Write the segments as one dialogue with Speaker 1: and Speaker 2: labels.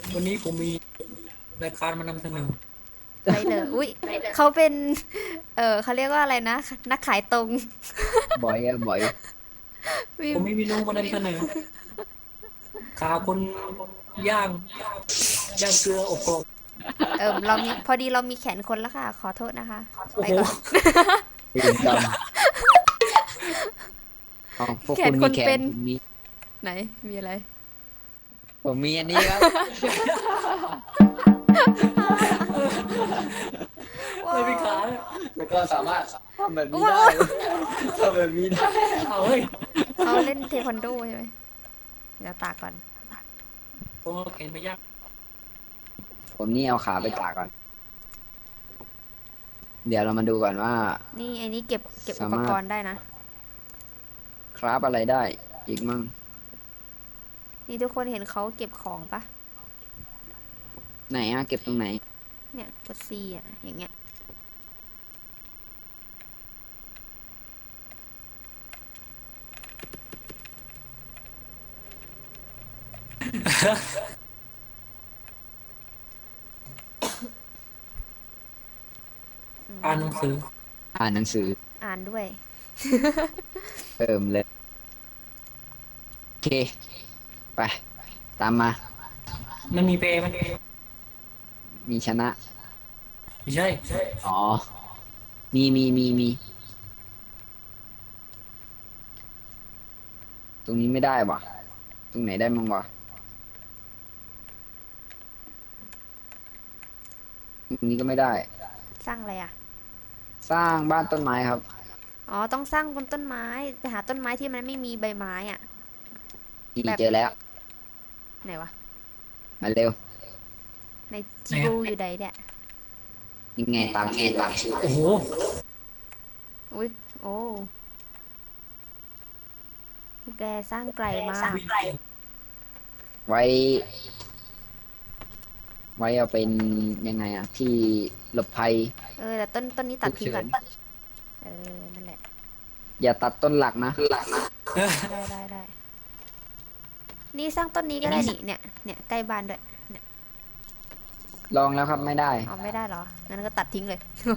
Speaker 1: วันนี้ผมมีรายการมานำเสนอ
Speaker 2: ไรเดอร์อุ้ยเขาเป็นเขาเรียกว่าอะไรนะนักขายตรง
Speaker 3: บ่อยอะบ่อย
Speaker 2: มี
Speaker 1: ผมมีเมนูมานำเสนอขาคนย่างย่างเกลืออบกรอบ
Speaker 2: เรามีพอดีเรามีแขนคนแล้วค่ะขอโทษนะคะ
Speaker 1: โอ้โห
Speaker 2: ไปก่อน
Speaker 3: เวรกรรมอ๋อพวก
Speaker 2: แข
Speaker 3: คุณมีแขน
Speaker 2: นคนเป็น
Speaker 3: ผมมี
Speaker 2: ไหนมีอะไร
Speaker 3: ผมมีอันนี้ครับ
Speaker 2: ว้า
Speaker 1: เลยมี
Speaker 2: ว
Speaker 1: ขาเลย
Speaker 3: แล้วก็สามารถทำแบบนี้
Speaker 2: ว้า
Speaker 3: ได้
Speaker 2: ว
Speaker 3: ทำแบบนี้ได้
Speaker 1: เอาเฮ้ย
Speaker 2: เขาเล่นเทควันโดใช่ไหมเดี๋ยวตากก่อน
Speaker 1: ผมเอาแขนไปย่าง
Speaker 3: ผมนี่เอาขาไปตากก่อน เดี๋ยวเรามาดูก่อนว่า
Speaker 2: นี่ไอ้นี้เก็บอุป
Speaker 3: สามารถ
Speaker 2: กรณ์ได้นะ
Speaker 3: คราฟอะไรได้อีกมั่ง
Speaker 2: นี่ทุกคนเห็นเขาเก็บของปะ
Speaker 3: ไหนอะเก็บตรงไหน
Speaker 2: เนี่ยกดซีอ่ะอย่างเงี้ย
Speaker 1: อ่านหนังสือ
Speaker 3: อ่านหนังสือ
Speaker 2: อ่านด้วย
Speaker 3: เติมเลยโอเคไปตามมา
Speaker 1: มันมีเปรย์ไหม
Speaker 3: มีชนะ
Speaker 1: ไม่ใช่
Speaker 3: อ๋อมีตรงนี้ไม่ได้วะตรงไหนได้มั่งวะตรงนี้ก็ไม่ได้
Speaker 2: สร้างอะไรอ่ะ
Speaker 3: สร้างบ้านต้นไม้ครับ
Speaker 2: อ๋อต้องสร้างบนต้นไม้ไปหาต้นไม้ที่มันไม่มีใบไม้อ่ะ
Speaker 3: นี่
Speaker 2: แบบ
Speaker 3: เจอแล้ว
Speaker 2: ไหนวะ
Speaker 3: มาเร็ว
Speaker 2: ในจิบูอยู่ใดเนี่ย
Speaker 3: ยังไงตามชื่อ
Speaker 1: โอ้โห
Speaker 2: อุ้ยโอ้แกสร้างไกลมาก
Speaker 3: ไว้ ไว้เอาเป็นยังไงอะที่หลบภัย
Speaker 2: แต่ต้นนี้ตั
Speaker 3: ฉุกเฉิน
Speaker 2: ดทิ้งก่อนนั่นแหละ
Speaker 3: อย่าตัดต้นหลักนะ
Speaker 2: ได้นี่สร้างต้นนี้ก็ได้นี่เนี่ยใกล้บ้านด้วยเนี่ย
Speaker 3: ลองแล้วครับไม่ได้
Speaker 2: เอาไม่ได้เหรองั้นก็ตัดทิ้งเลย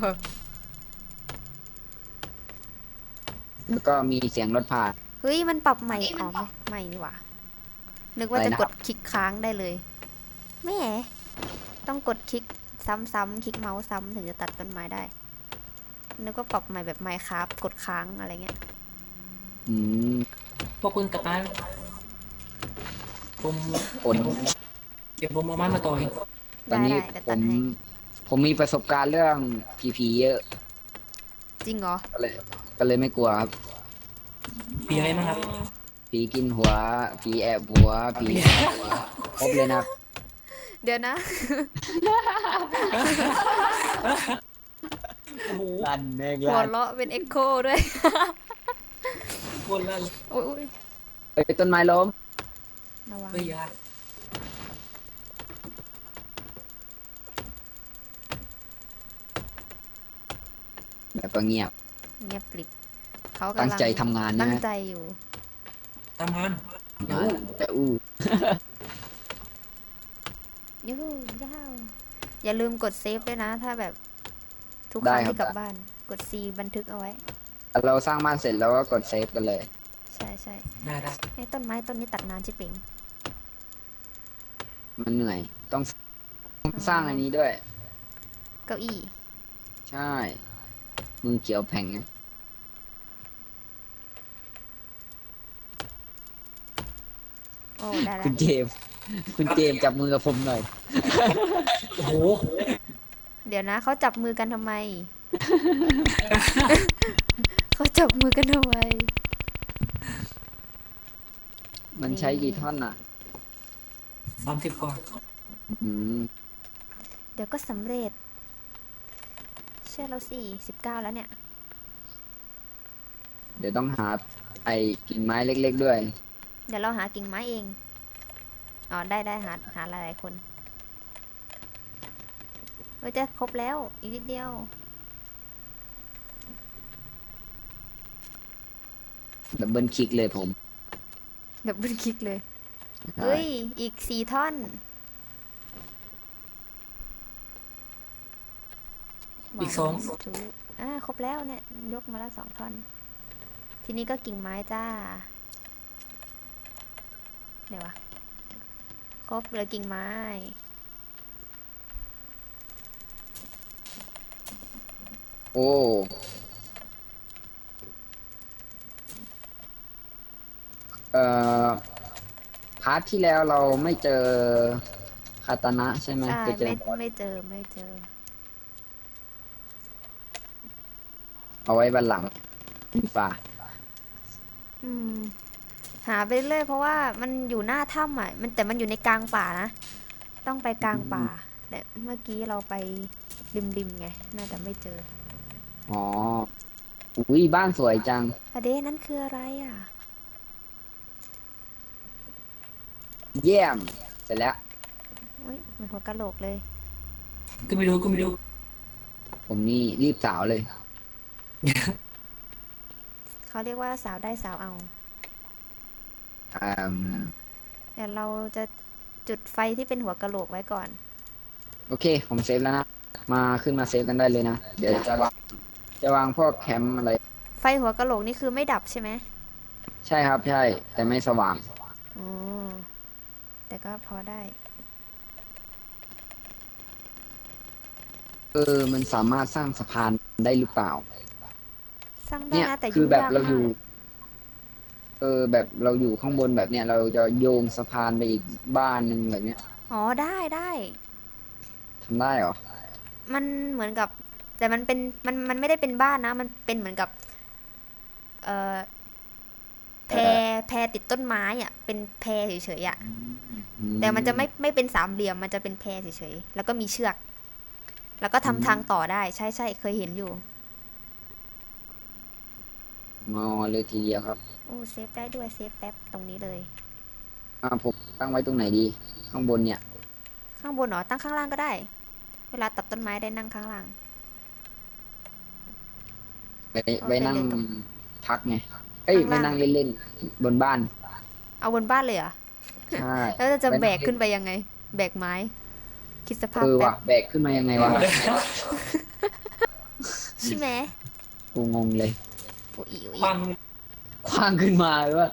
Speaker 3: แล้วก็มีเสียงรถผ่าน
Speaker 2: เฮ้ยมันปรับใหม่อ๋อไม่นี่หว่านึกว่าจะกด
Speaker 3: อะไรนะครับ
Speaker 2: คลิกค้างได้เลยแม่ต้องกดคลิกซ้ำๆคลิกเมาส์ซ้ำถึงจะตัดต้นไม้ได้นึกว่าปรับใหม่แบบไมค์ครับกดค้างอะไรเงี้ย
Speaker 3: อืม
Speaker 1: พวกคุณตัดไม้ผม
Speaker 3: ผล
Speaker 1: เก็บผมเอาไม้มาต่อย
Speaker 3: ตอนนี้
Speaker 2: เดี๋ยว
Speaker 3: ผม
Speaker 2: ตัดให้
Speaker 3: ผมมีประสบการณ์เรื่องผีเยอะ
Speaker 2: จริงเหรอ
Speaker 3: ก็เลยไม่กลัวครับ
Speaker 1: ปีอะไรมั้งครับ
Speaker 3: ผีกินหัวผีแอบหัวผีครบเลยนะ
Speaker 2: เดี๋ยวนะ
Speaker 1: โอ้โห
Speaker 3: ลั่นแม่ง
Speaker 2: หัว
Speaker 3: ลั่น
Speaker 2: เราะเป็นเอ็กโคด้วย
Speaker 1: คนละ
Speaker 2: โอ้ย
Speaker 3: เอ้ยต้นไม้ล้ม
Speaker 2: ระวัง
Speaker 1: เฮ้ยยา
Speaker 3: แบบก็เงียบ
Speaker 2: เงียบกริบเขา
Speaker 3: ตั้ง
Speaker 2: กำลัง
Speaker 3: ใจทำงานนะ
Speaker 2: ตั้ง
Speaker 3: ฮะ
Speaker 2: ใจอยู่
Speaker 1: ทำงาน
Speaker 3: งานแต่อู้
Speaker 2: ยูฮูยาวอย่าลืมกดเซฟด้วยนะถ้าแบบทุกค
Speaker 3: ได้
Speaker 2: รั้ง
Speaker 3: ครับ
Speaker 2: ที่กลับบ้านกด C บันทึกเอาไว้
Speaker 3: เราสร้างบ้านเสร็จแล้วก็กดเซฟกันเลย
Speaker 2: ใช่
Speaker 1: ได้
Speaker 2: ไอ้ต้นไม้ต้นนี้ตัดนานชิบเป่ง
Speaker 3: มันเหนื่อยต้อง
Speaker 2: อ๋อ
Speaker 3: สร้างอันนี้ด้วย
Speaker 2: เก้าอี้
Speaker 3: ใช่มือเขียวแผงไง
Speaker 2: โอ้ได้ละ
Speaker 3: คุณเจมส์คุณเจมส์จับมือกับผมหน่อย
Speaker 1: โอ้โห
Speaker 2: เดี๋ยวนะเขาจับมือกันทำไมเขาจับมือกันทำไม
Speaker 3: มัน
Speaker 2: นี่
Speaker 3: ใช้กี่ท่อนอ่ะ
Speaker 1: 30กว่า
Speaker 3: อืม
Speaker 2: เดี๋ยวก็สำเร็จเชื่อเราสิ19แล้วเนี่ย
Speaker 3: เดี๋ยวต้องหาไอ้กิ่งไม้เล็กๆด้วย
Speaker 2: เดี๋ยวเราหากิ่งไม้เองอ๋อได้หาหลายๆคนจะครบแล้วอีกนิดเดียว
Speaker 3: ดับเบิลคลิกเลยผม
Speaker 2: ดับเบิลคลิกเลย
Speaker 3: ใช่
Speaker 2: เฮ้ยอีก4 ท่อน
Speaker 1: อีกสอง
Speaker 2: ถูครบแล้วเนี่ย ยกมาแล้ว2 ท่อน ทีนี้ก็กิ่งไม้จ้าเดี๋ยววะ ครบเลยกิ่งไม้
Speaker 3: โอ้เอ่อพาร์ทที่แล้วเราไม่เจอคาตานะใช่ไหม
Speaker 2: ใช่
Speaker 3: จะเจอ
Speaker 2: ไม่เจอไม่เจอ
Speaker 3: เอาไว้บันหลังดีฝ่า
Speaker 2: อืม หาไปเรื่อยเพราะว่ามันอยู่หน้าถ้ำอ่ะแต่มันอยู่ในกลางป่านะ ต้องไปกลางป่า แต่เมื่อกี้เราไปริมไง น่าจะไม่เจอ
Speaker 3: อ๋ออุ้ยบ้านสวยจัง
Speaker 2: อะเดนั่นคืออะไรอ่ะ
Speaker 3: เยี่ยม เสร็จแล้ว
Speaker 2: อุ้ยเหมือนหัวกะโหลกเลย
Speaker 1: ก็ไม่รู้ก็ไม่รู้
Speaker 3: ผมนี่รีบสาวเลย
Speaker 2: เขาเรียกว่าสาวได้สาวเอา
Speaker 3: อืม
Speaker 2: แต่เราจะจุดไฟที่เป็นหัวกะโหลกไว้ก่อน
Speaker 3: โอเค ผมเซฟแล้วนะ มาขึ้นมาเซฟกันได้เลยนะ เดี๋ยวจะวางพวกแคมป์อะไร
Speaker 2: ไฟหัวกะโหลกนี่คือไม่ดับใช่ไหม
Speaker 3: ใช่ครับ ใช่ แต่ไม่สว่าง
Speaker 2: อ๋อ แต่ก็พอได้
Speaker 3: มันสามารถสร้างสะพานได้หรือเปล่า
Speaker 2: สร้างได้
Speaker 3: เนี่ย
Speaker 2: นะแต่
Speaker 3: คื
Speaker 2: ยุ่
Speaker 3: อง แบบ
Speaker 2: ยาก
Speaker 3: เราอ
Speaker 2: มา
Speaker 3: ยู่
Speaker 2: ก
Speaker 3: แบบเราอยู่ข้างบนแบบเนี้ยเราจะโยงสะพานไปอีกบ้านหนึ่งแบบเนี้ย
Speaker 2: อ๋อได้
Speaker 3: ทำได้เหรอ
Speaker 2: มันเหมือนกับ แต่มันเป็นมันไม่ได้เป็นบ้านนะ มันเป็นเหมือนกับ เอ่อแพแพติดต้นไม้อ่ะ เป็นแพเฉยๆอ่ะ แต่มันจะไม่เป็นสามเหลี่ยม มันจะเป็นแพเฉยๆ แล้วก็มีเชือก แล้วก็ทำทางต่อได้ ใช่เคยเห็นอยู่
Speaker 3: งอเลยทีเดียวครับ
Speaker 2: โอ้เซฟได้ด้วยเซฟแป๊บตรงนี้เลย
Speaker 3: ผมตั้งไว้ตรงไหนดี ข้างบนเนี่ย
Speaker 2: ข้างบนเหรอตั้งข้างล่างก็ได้ เวลาตัดต้นไม้ได้นั่งข้างล่าง
Speaker 3: ไว้ไว้นั่ง
Speaker 2: เอาไปเลยตรง
Speaker 3: พักไง เอ้ย
Speaker 2: ข้าง
Speaker 3: ไว้
Speaker 2: ล่าง
Speaker 3: นั่งเล่นๆบนบ้าน
Speaker 2: เอาบนบ้านเลยเหรอ
Speaker 3: ใช่
Speaker 2: แล้วจะ
Speaker 3: ไว้
Speaker 2: แบ
Speaker 3: นั่
Speaker 2: ก
Speaker 3: งเล่
Speaker 2: ขึ้นไปยังไง แบกไม้ คิดสภาพ
Speaker 3: ว่ะ
Speaker 2: แป๊บ
Speaker 3: แบกขึ้นมายังไงวะ
Speaker 2: ใช่ไหม
Speaker 3: กูงงเลย
Speaker 2: โอ้ย
Speaker 1: ความ
Speaker 3: คว้างขึ้นมาเลยว่า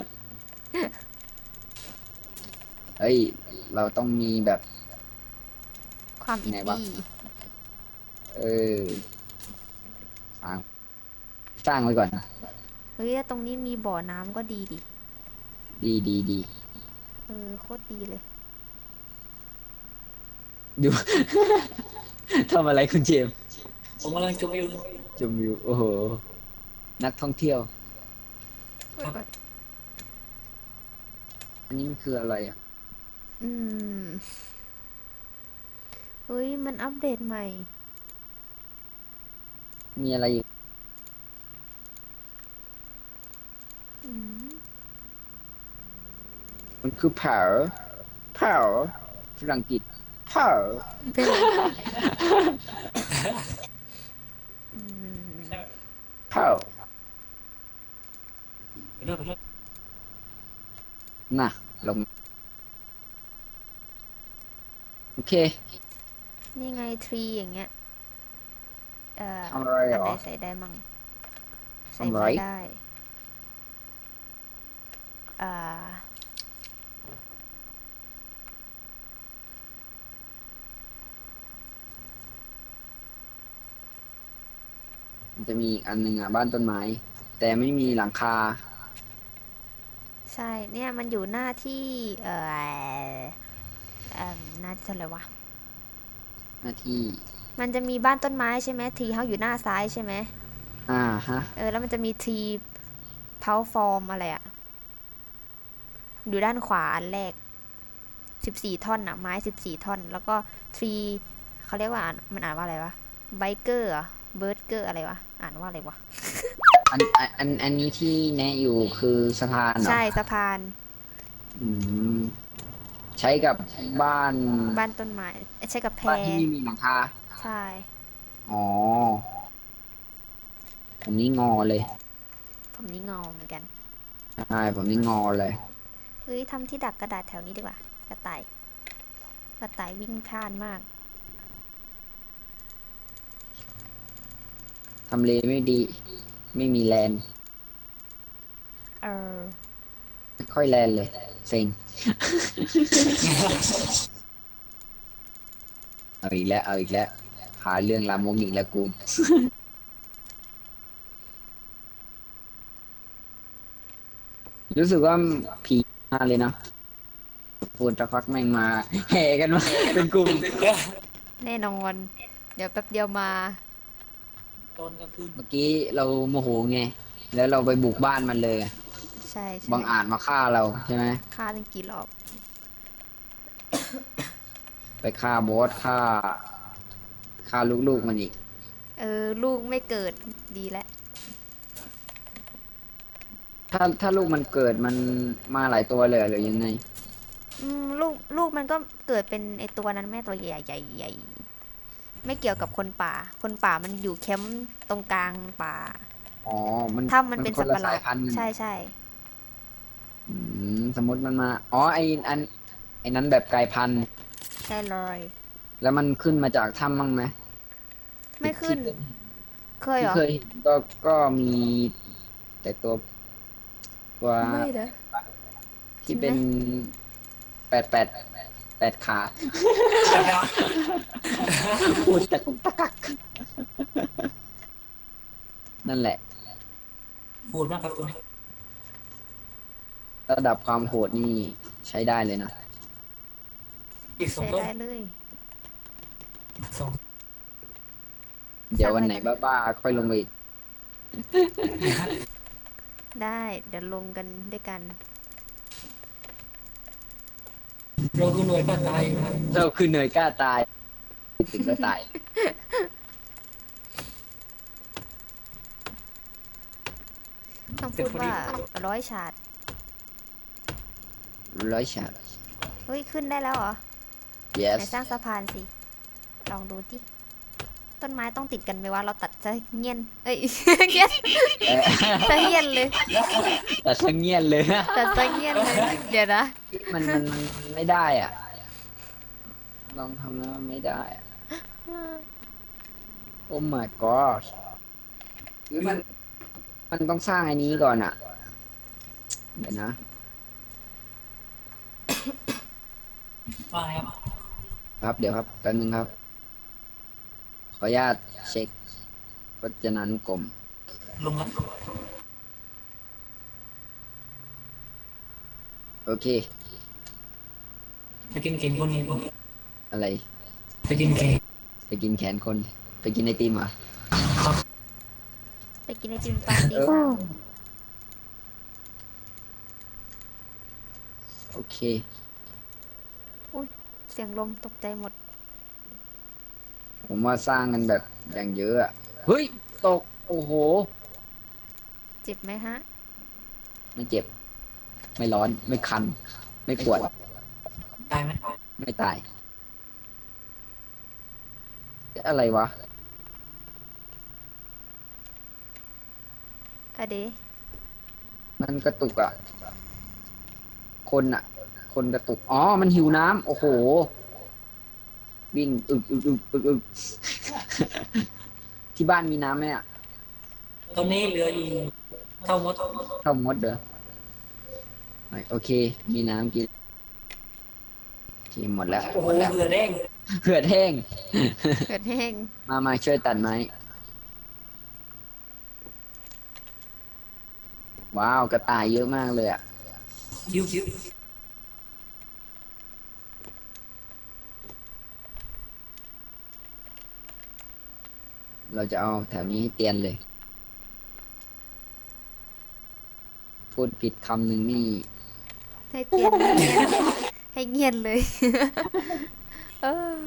Speaker 3: เอ้ย เราต้องมีแบบ
Speaker 2: ความอิน
Speaker 3: ไหนวะ
Speaker 2: ดี้
Speaker 3: เออ สร้างไว้ก่อน
Speaker 2: เฮ้ยแล้วตรงนี้มีบ่อน้ำก็ดีดิ
Speaker 3: ดี
Speaker 2: โคตรดีเลย
Speaker 3: ดู ทำอะไรคุณเจมส์
Speaker 1: ผมกำลังจมอยู่
Speaker 3: ชมวิว โอ้โห นักท่องเที่ยว อันนี้มันคืออะไรอ่ะ
Speaker 2: อืมเฮ้ยมันอัปเดตใหม่
Speaker 3: มีอะไรอยู่
Speaker 2: อืม
Speaker 3: มันคือ power ฝรั่งกิษ power
Speaker 2: เป็นไรอืม
Speaker 3: power
Speaker 1: ไปด้วยไปด้วย
Speaker 3: น่ะ ลง โอเค
Speaker 2: นี่ไงทรีอย่างเงี้ย
Speaker 3: ทำอะไรเหรอ
Speaker 2: นไหนใส่ได้มั่งใส่
Speaker 3: ทำอะไร
Speaker 2: ไม่ได้อ่า
Speaker 3: มันจะมีอีกอันหนึ่งอ่ะ บ้านต้นไม้ แต่ไม่มีหลังคา
Speaker 2: ใช่เนี่ยมันอยู่หน้าที่หน้าที่เท่าไหร่วะ
Speaker 3: หน้าที่
Speaker 2: มันจะมีบ้านต้นไม้ใช่ไหมทรีเฮาอยู่หน้าซ้ายใช่ไหม
Speaker 3: ฮะ
Speaker 2: แล้วมันจะมีทรีเพาฟอร์มอะไรอะอยู่ด้านขวาอันแรก14 ท่อนอะไม้14 ท่อน แล้วก็ทรีเขาเรียกว่ามันอ่านว่าอะไรวะไบเกอร์เบิร์ดเกอร์อะไรวะอ่านว่าอะไรวะ
Speaker 3: อันนี้ที่แนะอยู่คือสะพานเหรอ
Speaker 2: ใช่สะพาน
Speaker 3: อืม ใช้กับบ้าน
Speaker 2: บ้านต้นไม้ใช่กับแพ
Speaker 3: บ้านที่ไม่มีหลังคา
Speaker 2: ใช่
Speaker 3: อ๋อ ผมนี่งอเลย
Speaker 2: ผมนี่งอเหมือนกัน
Speaker 3: ใช่ ผมนี่งอเลย
Speaker 2: เฮ้ยทำที่ดักกระดาษแถวนี้ดีกว่ากระต่ายวิ่งพล่านมาก
Speaker 3: ทำเลไม่ดี ไม่มีแลนด์
Speaker 2: เออ
Speaker 3: ไม่ค่อยแลนด์เลยเซ็งเอาอีกแล้วเอาอีกแล้วหาเรื่องลามกอีกแล้วกูรู้สึกว่าผีมาเลยนะพูดจะพักแม่งมาแห่กันมาเป็นกลุ่ม
Speaker 2: แน่นอนเดี๋ยวแป๊บเดียวมา
Speaker 1: ตอนกลางคืน
Speaker 3: เมื่อกี้เราโมโหไงแล้วเราไปบุกบ้านมันเลย
Speaker 2: ใช่ใช่
Speaker 3: บังอาจมาฆ่าเราใช่ไหม
Speaker 2: ฆ่าตั้งกี่รอบ
Speaker 3: ไปฆ่าบอสฆ่าลูกๆมันอีก
Speaker 2: เออลูกไม่เกิดดีแล้ว
Speaker 3: ถ้าลูกมันเกิดมันมาหลายตัวเลยหรือยังไง
Speaker 2: ลูกมันก็เกิดเป็นไอตัวนั้นแม่ตัวใหญ่ใหญ่ใหญ่ไม่เกี่ยวกับคนป่าคนป่ามันอยู่แคมป์ตรงกลางป่า
Speaker 3: อ๋อมัน
Speaker 2: ถ้ำมันเป็น
Speaker 3: คนละ
Speaker 2: สัตว์ประหลาด
Speaker 3: สายพันธุ์กัน
Speaker 2: ใช่ใช่
Speaker 3: อืสมมติมันมาอ๋อไอ้นั้นแบบกลายพันธุ์
Speaker 2: ใช่เลย
Speaker 3: แล้วมันขึ้นมาจากถ้ำบ้างไหม
Speaker 2: ไม่ขึ้น
Speaker 3: ที่
Speaker 2: เคยเหรอ
Speaker 3: ที่เคยเห็นก็มีแต่ตัว
Speaker 2: ไม่เด้อจริ
Speaker 3: ที่
Speaker 2: งไหม
Speaker 3: เป็นแปดขาพูดตะกุกตะกักนั่นแหละ
Speaker 1: พูดมากครับคุณ
Speaker 3: ระดับความโหดนี่ใช้ได้เลยนะ
Speaker 1: อีกสอง
Speaker 2: ใช้
Speaker 1: ต้น
Speaker 2: ได้เลย
Speaker 1: สอง
Speaker 3: เดี๋ยววันไหนบ้าๆค่อยลงไปอีก
Speaker 2: ได้เดี๋ยวลงกันด้วยกัน
Speaker 1: เราคือหน่วยกล้าตายนะ
Speaker 3: เราคือเหนื่อยกล้าตายถึงก็ตาย
Speaker 2: ต้องพูดว่า100 ฉาด
Speaker 3: 100 ฉาด
Speaker 2: เฮ้ยขึ้นได้แล้วเหรอ
Speaker 3: yes
Speaker 2: ไหนสร้างสะพานสิลองดูที่ต้นไม้ต้องติดกันไหมว่าเราตัดจะเงียนเอ้ยเงียนจะเงียนเลย
Speaker 3: แต่ช่างเงียบเลยนะ
Speaker 2: ตัดจะเงียนเลยเดี๋ยวนะ
Speaker 3: มันไม่ได้อ่ะลองทำแล้วมันไม่ได้อะโอ้ my god หรือมันต้องสร้างอันนี้ก่อนอ่ะเดี๋ยวนะ
Speaker 1: ว่าไงครับ
Speaker 3: ครับเดี๋ยวครับแป๊บนึงครับขออนุญาตเช็คพจนานุกรม
Speaker 1: ลงแล้ว
Speaker 3: โอเค
Speaker 1: ไปกินเก่งคนนี้
Speaker 3: อะไร
Speaker 1: ไปกินเก่ง
Speaker 3: ไปกินแขนคนไปกินไอติมเหรอ่ะ
Speaker 1: ครับ
Speaker 2: ไปกินไอติมตอนตี 3
Speaker 3: โอเค
Speaker 2: เสียงลมตกใจหมด
Speaker 3: ผมว่าสร้างกันแบบอย่างเยอะอะเฮ้ยตกโอ้โห
Speaker 2: เจ็บไหมฮะ
Speaker 3: ไม่เจ็บ ไม่ร้อน ไม่คัน ไม่ปวด
Speaker 1: ตายไหม
Speaker 3: ไม่ตาย อะไรวะ
Speaker 2: อะเด
Speaker 3: มันกระตุกอ่ะ คนอ่ะ คนกระตุก อ๋อ มันหิวน้ำ โอ้โห วิ่งอึกที่บ้านมีน้ำไหมอ่ะ
Speaker 1: ตอนนี้เหลืออยู่เท่ามด
Speaker 3: เข้ามดเด้อไม่โอเค มีน้ำกินโอเคหมดแล้ว
Speaker 1: โอ้โห
Speaker 3: หมดแล้ว
Speaker 1: เหลือแดง
Speaker 3: เหือดแห้ง
Speaker 2: เกิดแห้ง
Speaker 3: มาช่วยตัดไม้ ว้าว กระต่ายเยอะมากเลยอ่ะ
Speaker 1: ยิ้วยิ้ว
Speaker 3: เราจะเอาแถวนี้ให้เตียนเลย พูดผิดคำหนึ่งนี่
Speaker 2: ให้เตียนให้เงียนให้เงียนเลย เออ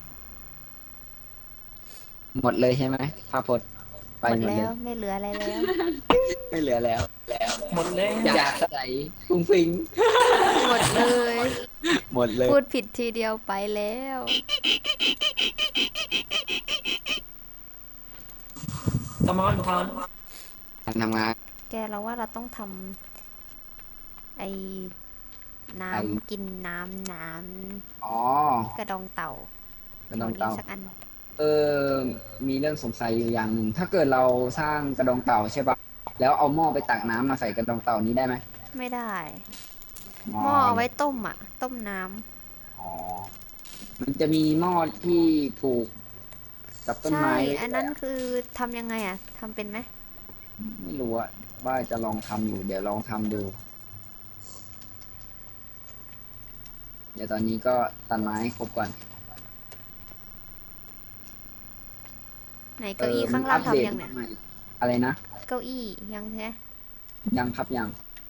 Speaker 3: หมดเลยใช่ไหมพระพจน์ไป
Speaker 2: หมด
Speaker 3: หมด
Speaker 2: แล้
Speaker 3: เล
Speaker 2: วย ไม่เหลืออะไรแล้ว
Speaker 3: ไม่เหลือแล้ว
Speaker 1: หมดแล้ว
Speaker 3: อยากใส่ฟุ้งฟิง
Speaker 2: หมดเลย
Speaker 3: หมดเลย
Speaker 2: พูดผิดทีเดียวไปแล้ว
Speaker 1: ทำมันทาน
Speaker 3: การทำงาน
Speaker 2: แกเราว่าเราต้องทำไอ้น้ำกินน้ำ
Speaker 3: อ๋อ
Speaker 2: กระดองเต่า
Speaker 3: กระดองเต่า
Speaker 2: แถวนี้สักอัน
Speaker 3: เออมีเรื่องสงสัยอยู่อย่างหนึ่งถ้าเกิดเราสร้างกระดองเต่าใช่ปะแล้วเอาหม้อไปตักน้ำมาใส่กระดองเต่านี้ได้ไหม
Speaker 2: ไม่ได้
Speaker 3: อ๋อ
Speaker 2: หม้อเอาไว้
Speaker 3: เลย
Speaker 2: ต้มอ่ะต้มน้
Speaker 3: อ๋อมันจะมีหม้อที่ผูกกับ
Speaker 2: ำ
Speaker 3: ต้น
Speaker 2: ใช่
Speaker 3: ไม้ไว้
Speaker 2: อัน
Speaker 3: ด้วยอะ
Speaker 2: นั้นคือทำยังไงอ่ะทำเป็นไหม
Speaker 3: ไม่รู้อะว่าจะลองทำอยู่เดี๋ยวลองทำดูเดี๋ยวตอนนี้ก็ตัดไม้ให้ครบก่อน
Speaker 2: ไหนเก้าอี้
Speaker 3: มั
Speaker 2: ข้างล่าง
Speaker 3: นอัปเดต
Speaker 2: ทำยังเนี่ย
Speaker 3: มาใหม่อะไรนะ
Speaker 2: เก้าอี้ยังใช่ไหม
Speaker 3: ยังครับยัง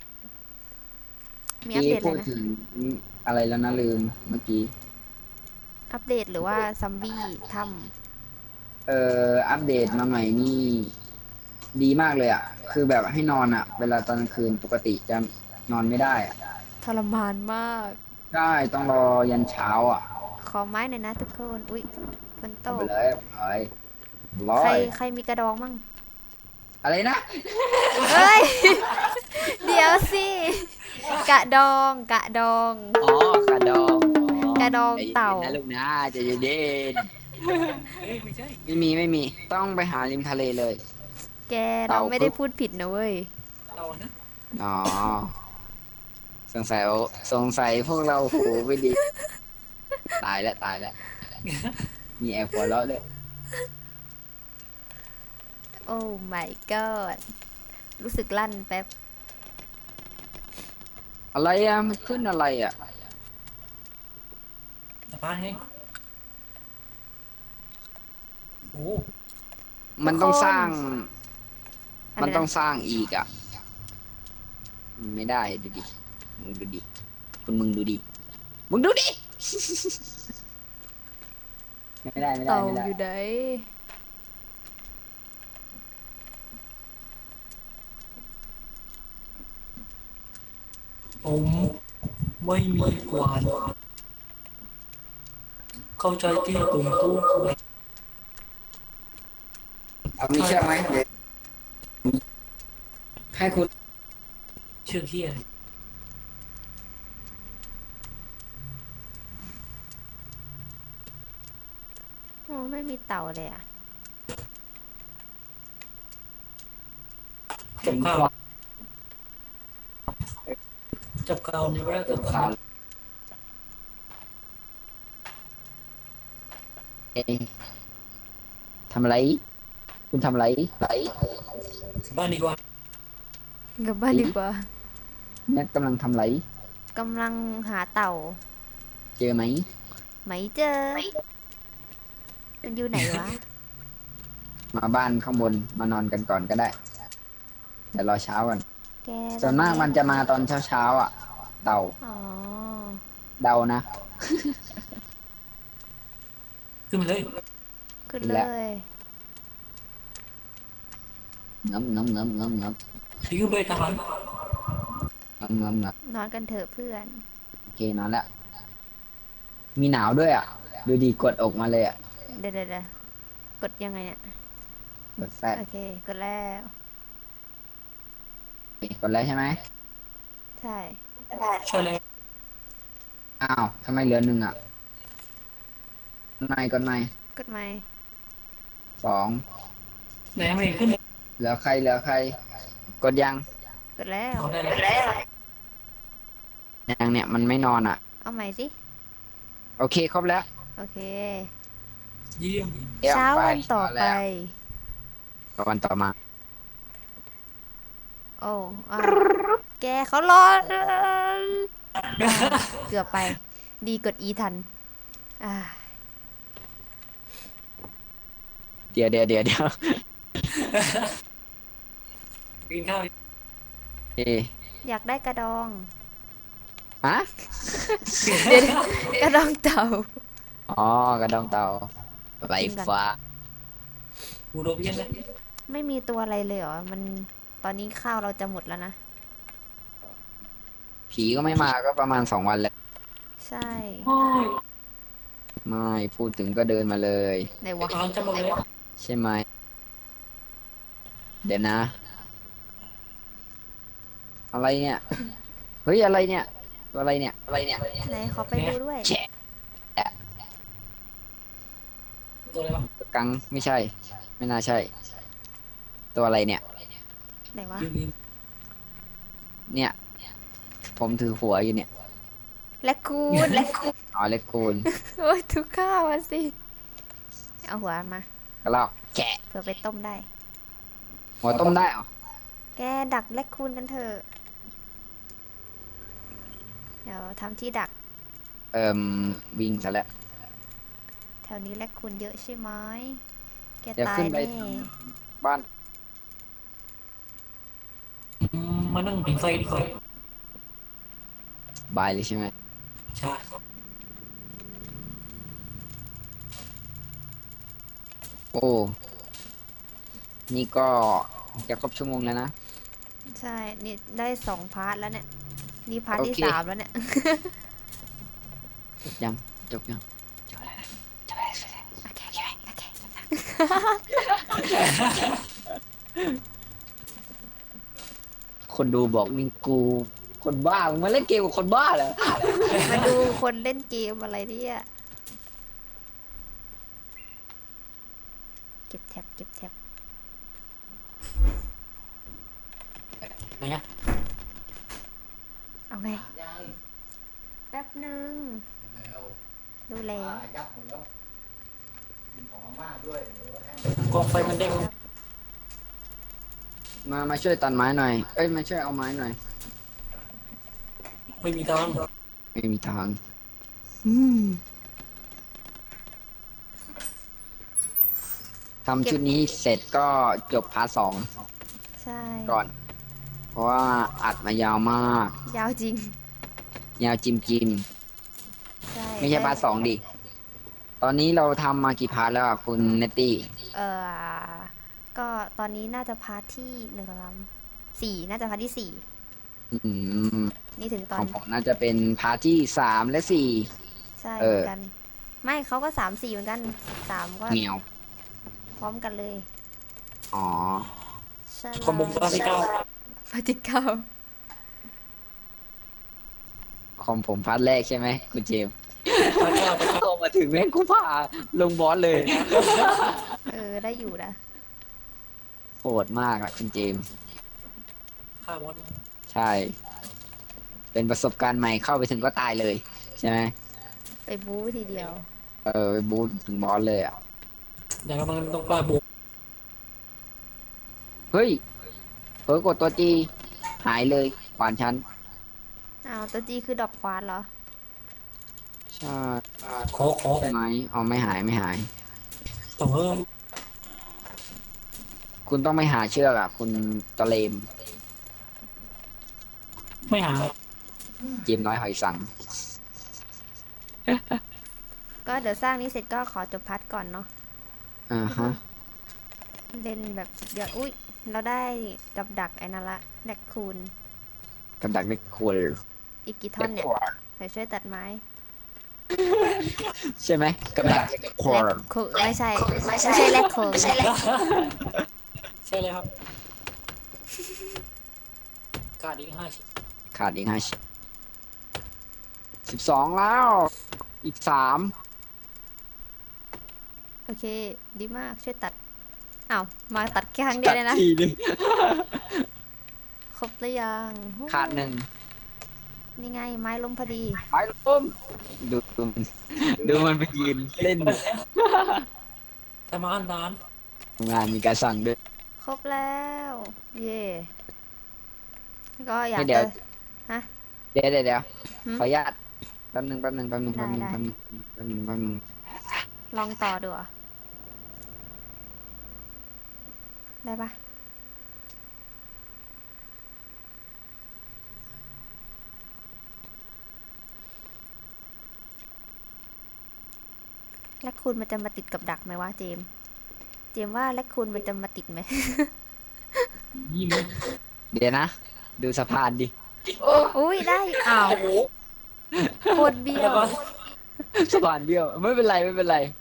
Speaker 2: มีอัป
Speaker 3: กี้
Speaker 2: เดตอะไรนะ
Speaker 3: พูดถึงอะไรแล้วนะลืมเมื่อกี้
Speaker 2: อัปเดตหรือว่าซัมบี้ท
Speaker 3: อัปเดตมาใหม่นี่ดีมากเลยอ่ะคือแบบให้นอนอ่ะเวลาตอนกลางคืนปกติจะนอนไม่ได้อ่ะ
Speaker 2: ำทรมานมาก
Speaker 3: ใช่ต้องรอยันเช้าอ่ะ
Speaker 2: ขอไม้หน่อยนะทุกคนอุ๊ยฝนตก
Speaker 3: เอาไปเลยไปร้
Speaker 2: ใคร
Speaker 3: อย
Speaker 2: ใครมีกระดองมั่ง
Speaker 3: อะไรนะ
Speaker 2: เอ้ยเดี๋ยวสิกระดองกระดอง
Speaker 3: อ๋อกระดองอ๋อ
Speaker 2: กระดอง
Speaker 3: ใจเย็
Speaker 2: เต่า
Speaker 3: นๆนะลูกนะใจเย็น
Speaker 1: เฮ้ยไม่ใช่
Speaker 3: ๆไม่มีต้องไปหาริมทะเลเลย
Speaker 2: แกเรา
Speaker 3: เต่าปึ๊บ
Speaker 2: ไม่ได้พูดผิดนะเว้ย
Speaker 1: เต่านะ
Speaker 3: อ๋อสงสัยสงสัยพวกเราหูไม่ดีตายแล้วมีแอบหัวเราะด้วย
Speaker 2: โอ้ my god รู้สึกลั่นแป๊บ
Speaker 3: อะไรอ่ะมันขึ้นอะไรอ่ะ
Speaker 1: สะพานไงโอ้
Speaker 2: ทุกค
Speaker 3: มันต้องส
Speaker 2: น
Speaker 3: ร้าง
Speaker 2: อะไร
Speaker 3: มันต้อง
Speaker 2: นะ
Speaker 3: สร้างอีกอ่ะมันไม่ได้ดูดิมึงดูดิมึงดูดิมึงดูดิไม่ได้ไม่ได้
Speaker 2: เต่า
Speaker 3: ไม่ได้
Speaker 2: อยู่ไหน
Speaker 1: ผมไม่มีกวานเข้าใจที่ผมพูด
Speaker 3: เอามีเชือกไหมเดี๋ยวให้คุณ
Speaker 1: เชื่อเฮีย
Speaker 2: โอ้ไม่มีเต่าเลยอ่ะ
Speaker 1: จับข้าวจับข้าวนี่ก็ได้จับข้าว
Speaker 3: เองทำอะไรคุณทำอะไรไร
Speaker 1: บ้านดีกว่า
Speaker 2: กลับบ้านดีกว่า
Speaker 3: เนี่ยกำลังทำอะไร
Speaker 2: กำลังหาเต่า
Speaker 3: เจอไหม
Speaker 2: ไม่เจอมันอยู่ไหนวะ
Speaker 3: มาบ้านข้างบนมานอนกันก่อนก็ได้เดี๋ยวรอเช้าก่อน
Speaker 2: แกต
Speaker 3: ส่วนมาก
Speaker 2: อนนี้
Speaker 3: มันจะมาตอนเช้าอ่ะเต่า
Speaker 2: อ๋อ
Speaker 3: เดานะ
Speaker 1: ขึ้นมาเลย
Speaker 2: ขึ้นเล
Speaker 3: ขึ้นแล้ว
Speaker 2: ย
Speaker 3: งับ
Speaker 1: พี่ขึ้นไปทหาร
Speaker 3: งับ
Speaker 2: นอนกันเถอะเพื่อน
Speaker 3: โอเคนอนแล้วมีหนาวด้วยอ่ะดูดีกดอกมาเลยอ่ะ
Speaker 2: เดี๋ยวกดยังไงเนี่ย
Speaker 3: กดแฟด
Speaker 2: โอเคกดแล้ว
Speaker 3: กดแล้วใช่ไหม
Speaker 2: ใช่
Speaker 1: ใช่เลย
Speaker 3: อ้าวทำไมเหลือหนึ่งอ่ะกดไม่
Speaker 2: กดไหม
Speaker 3: สอง
Speaker 1: ไหนไม่เห็นขึ้นเลย
Speaker 3: เหลือใครกดยัง
Speaker 2: กดแล้ว
Speaker 1: เอาได้แล้ว
Speaker 3: ยังเนี่ยมันไม่นอนอ่ะ
Speaker 2: เอาใหม่สิ
Speaker 3: โอเคครบแล้ว
Speaker 2: โอเค
Speaker 1: เยี่ยม
Speaker 3: เดี๋ยว
Speaker 2: เช้า
Speaker 3: ไป
Speaker 2: วันต่อไป
Speaker 3: วันต่อมา
Speaker 2: โอ้อาแกเขารอเกือบไปดีกด E ทันอ่า
Speaker 3: เดี๋ยว
Speaker 1: กินข้าว
Speaker 3: เอ
Speaker 2: อยากได้กระดอง
Speaker 3: ฮะ
Speaker 2: เดี๋ยวกระดองเต่า
Speaker 3: อ๋อกระดองเต่าไหล
Speaker 2: กินก่อน
Speaker 3: ฟ้า
Speaker 1: บูโรเบียนเลย
Speaker 2: ไม่มีตัวอะไรเลยเหรอมันตอนนี้ข้าวเราจะหมดแล้วนะ
Speaker 3: ผีก็ไม่มาก็ประมาณ2 วันแล้ว
Speaker 2: ใช่
Speaker 1: โอ้ย
Speaker 3: ไม่พูดถึงก็เดินมาเลย
Speaker 2: ไหนวะ
Speaker 1: ทางจะหมดเลย
Speaker 3: ใช่ไหมเดี๋ยวนะอะไรเนี่ยเฮ้ยอะไรเนี่ยตัวอะไรเนี่ย
Speaker 2: ไหนขอไปดูด้วย
Speaker 3: แฉะ
Speaker 1: ตัวอะไรวะ
Speaker 3: กังไม่ใช่ ไม่น่าใช่ ตัวอะไรเนี่ย
Speaker 2: ไหนวะ
Speaker 1: ยืน
Speaker 3: เนี่ย ผมถือหัวอยู่เนี่ย
Speaker 2: แลคคูน
Speaker 3: อ๋อเล็กคูณ
Speaker 2: โอ้ยทุกข้าวมาสิ เอาหัวมา
Speaker 3: กระรอกแกะ
Speaker 2: เผื่อไปต้มได้
Speaker 3: หัวต้มได้เหรอ
Speaker 2: แกดักแลคคูนกันเถอะ เดี๋ยวทำที่ดัก
Speaker 3: วิ่งซะแล้ว
Speaker 2: แถวนี้แลคคูนเยอะใช่ไหมแก
Speaker 3: เดี๋ยว
Speaker 2: ตาย
Speaker 3: ขึ้นไป
Speaker 2: แน่
Speaker 3: บ้าน
Speaker 1: มานั่งผิงไฟดีกว่า
Speaker 3: บายเลยใช่ไหม
Speaker 1: ใช่
Speaker 3: โอ้ นี่ก็จะครบชั่วโมงแล้วนะ
Speaker 2: ใช่ นี่ได้2 พาร์ทแล้วเนี่ย นี่พาร์ทที่
Speaker 3: โอเค
Speaker 2: 3 แล้วเนี่ย
Speaker 3: จบยังจบยังจบแล้วนะจบแล้ว
Speaker 2: โอเคโอเค
Speaker 3: คนดูบอกนี่กูคนบ้ามึงมาเล่นเกมกับคนบ้าเหรอ
Speaker 2: มาดูคนเล่นเกมอะไรเนี่ยเก็บแท็บ
Speaker 1: ไหนอะ
Speaker 2: เอาไง แป๊บหนึ่งดูแล้ว
Speaker 4: ยับหมดแล้วมีของอาม่าด้วยเดี๋ยวให้
Speaker 1: กองไฟมันเด้ง
Speaker 3: มาช่วยตัดไม้หน่อย เอ้ยมาช่วยเอาไม้หน่อย
Speaker 1: ไม่มีทาง
Speaker 3: ไม่มีทางทำชุดนี้เสร็จก็จบพาร์ท 2
Speaker 2: ใช่
Speaker 3: ก่อน เพราะว่าอัดมายาวมาก
Speaker 2: ยาวจริง
Speaker 3: ยาวจิม
Speaker 2: ใช่
Speaker 3: ไม่ใช่พาร์ท 2ดิ ตอนนี้เราทำมากี่พาร์ทแล้วอ่ะคุณเนตตี้
Speaker 2: ก็ตอนนี้น่าจะพาร์ทที่4น่าจะพาร์ทที่
Speaker 3: อืม
Speaker 2: 4นี่ถึงต
Speaker 3: ข
Speaker 2: อ
Speaker 3: อน งผมน่าจะเป็นพาร์ทที่ 3 และ
Speaker 2: ใช่
Speaker 3: เอ
Speaker 2: เหมื
Speaker 3: อ
Speaker 2: อนกัน ไม่เขาก็3 4เหมือนกัน3ก็
Speaker 3: 4เหนียว
Speaker 2: พร้อมกันเลย
Speaker 3: อ๋อ
Speaker 2: ใช่
Speaker 1: คอมบงบ้านที่เก้า
Speaker 2: พาร์ทที่ 9
Speaker 3: ของผมพาร์ทแรกใช่ไหมคุณเจมส์
Speaker 1: พระเจ้าพระเจ้า
Speaker 3: พอมาถึงแม่งกูพาลงบอสเลย
Speaker 2: ได้อยู่นะ
Speaker 3: โหดมากอะคุณเจมส์
Speaker 1: ฆ่ามด
Speaker 3: ใช่ เป็นประสบการณ์ใหม่เข้าไปถึงก็ตายเลย ใช่ไหม
Speaker 2: ไปบู๊ทีเดียว
Speaker 3: ไปบูทถึงบอสเลยอ่ะ
Speaker 1: อย่างนั้นมันต้องกล้าบุก
Speaker 3: เฮ้ยเผลอกดตัวจีหายเลยขวานชั้น
Speaker 2: อ้าวตัวจีคือดอกควานเหรอ
Speaker 3: ใช่
Speaker 1: ขอ
Speaker 3: ใช่ไหมอ๋อไม่หายไม่หาย
Speaker 1: ต้องเพิ่ม
Speaker 3: คุณต้องไม่หาเชือกอ่ะ คุณตะเลม
Speaker 1: ไม่หา
Speaker 3: เจมส์น้อยหอยสัง
Speaker 2: ก็เดี๋ยวสร้างนี้เสร็จก็ขอจบพาร์ทก่อนเนาะ
Speaker 3: อ่าฮะ
Speaker 2: เล่นแบบสุดยอดอุ้ยเราได้กับดักไอ้นั่นละแลคคูน
Speaker 3: กับดักเล็กควร
Speaker 2: อีกกี่ท่อนเนี่ยเดี๋ยวช่วยตัดไม้
Speaker 3: ใช่ไหมกับดักเล็กคว
Speaker 2: แล
Speaker 3: ร
Speaker 2: คคูไม่ใช่แลคคูน
Speaker 1: ใช่เลยครับการดอีก50
Speaker 3: ขาดอีก12 แล้ว อีก 3
Speaker 2: โอเค ดีมากช่วยตัดอ้าวมาตัดแค่ครั้งเดียวเลยนะ
Speaker 3: ทีนึง
Speaker 2: ครบหรือยัง
Speaker 3: ขาด 1
Speaker 2: นี่ไงไม้ล้มพอดี
Speaker 3: ไม้ล้มดูมันไปยืนเล่น
Speaker 1: แต่มาอันนาน
Speaker 3: งานมีการสั่งด้วย
Speaker 2: ครบแล้ว เย่ก็อยาก
Speaker 3: เดี๋ยว
Speaker 2: จะฮะ
Speaker 3: เดี๋ยว
Speaker 2: หืม
Speaker 3: ขออนุญาตแป๊บนึง
Speaker 2: ได้ ลองต่อดูเหรอได้ปะแลคคูนมันจะมาติดกับดักไหมวะเจมส์ว่าแลคคูนมันจะมาติดไหม
Speaker 1: ยิ่งเลย
Speaker 3: เดี๋ยวนะ ดูสะพานดิ
Speaker 2: อุ้ยได้อ้าว
Speaker 1: โอ้โห
Speaker 2: โคตรเบี้ย
Speaker 1: แล้ว
Speaker 2: ว
Speaker 1: ก็
Speaker 3: สะพานเบี้ยว ไม่เป็นไร
Speaker 1: ไม่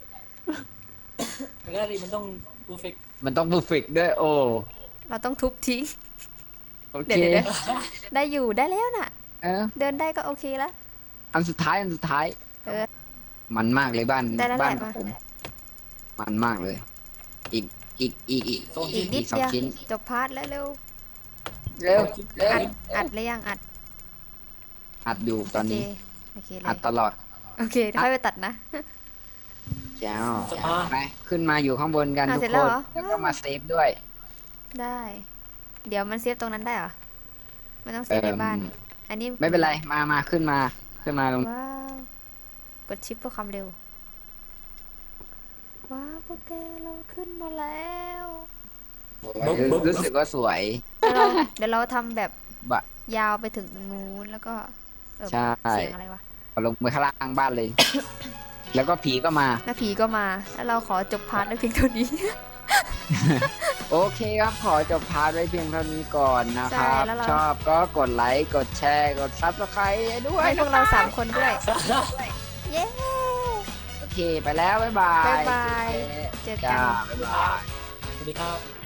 Speaker 1: ได้ดิมันต้องเพอร์เฟก
Speaker 3: มันต้องเพอร์เฟกด้วย โอ้
Speaker 2: เราต้องทุบทิ้ง
Speaker 3: โอเค
Speaker 2: เดี๋ยวได้อยู่ได้แล้วน่ะ
Speaker 3: เออ
Speaker 2: เดินได้ก็โอเคแล้ว
Speaker 3: อันสุดท้าย
Speaker 2: เออ
Speaker 3: มันมากเลยบ้าน
Speaker 2: ได้แล้ว
Speaker 3: บ้าน
Speaker 2: แหละ
Speaker 3: ผมมันมากเลย อีก
Speaker 1: สอง
Speaker 2: อี
Speaker 1: ชิ้
Speaker 2: ก
Speaker 1: น
Speaker 2: นิด
Speaker 3: สอง
Speaker 2: เดียว
Speaker 3: ชิ้น
Speaker 2: จบพาร์ทแล้วเร็ว
Speaker 3: เร็ว
Speaker 2: อัดเลยยังอัด
Speaker 3: อัดอยู่ตอนนี้
Speaker 2: โอเคเล
Speaker 3: อัด
Speaker 2: ย
Speaker 3: ตลอด
Speaker 2: โอเคเดี๋ยวค่อยไปตัดนะ
Speaker 3: แจ้วไปขึ้นมาอยู่ข้างบนกัน
Speaker 2: อ่ะ
Speaker 3: ทุก
Speaker 2: เสร็จ
Speaker 3: ค
Speaker 2: แล้ว
Speaker 3: น
Speaker 2: เหรอ
Speaker 3: แล้วก็มาเซฟด้วย
Speaker 2: ได้ เดี๋ยวมันเซฟตรงนั้นได้เหรอไม่ต้องเซฟในบ้าน อันนี้
Speaker 3: ไม่เป็นไร มาขึ้นมาตรง
Speaker 2: ว้าวกดชิปเพื่อความเร็วว้าวพวกแกเราขึ้นมาแล้ว
Speaker 3: รู้สึกว่าสวย
Speaker 2: เดี๋ยวเราทำแบบ
Speaker 3: บะ
Speaker 2: ยาวไปถึงตรงนู้นแล้วก็
Speaker 3: ใช่
Speaker 2: เสียงอะไรวะ
Speaker 3: เอาลงไปข้างล่างบ้านเลย แล้วก็ผีก็มา
Speaker 2: แล้วผีก็มาแล้วเราขอจบพาร์ทไว้เพียงเท่านี้
Speaker 3: โอเคครับ ขอจบพาร์ทไว้เพียงเท่านี้ก่อนนะครับ
Speaker 2: ใช่แล้วเรา
Speaker 3: ชอบก็กดไลค์กดแชร์กดซับสไครต์ด้วย
Speaker 2: ให้พวกเรา3 คนด้วย เย้
Speaker 3: โอเคไปแล้ว บ๊ายบาย
Speaker 2: บ๊ายบาย เจอกัน
Speaker 3: จ้าบ๊ายบาย
Speaker 1: สวัสดีครับ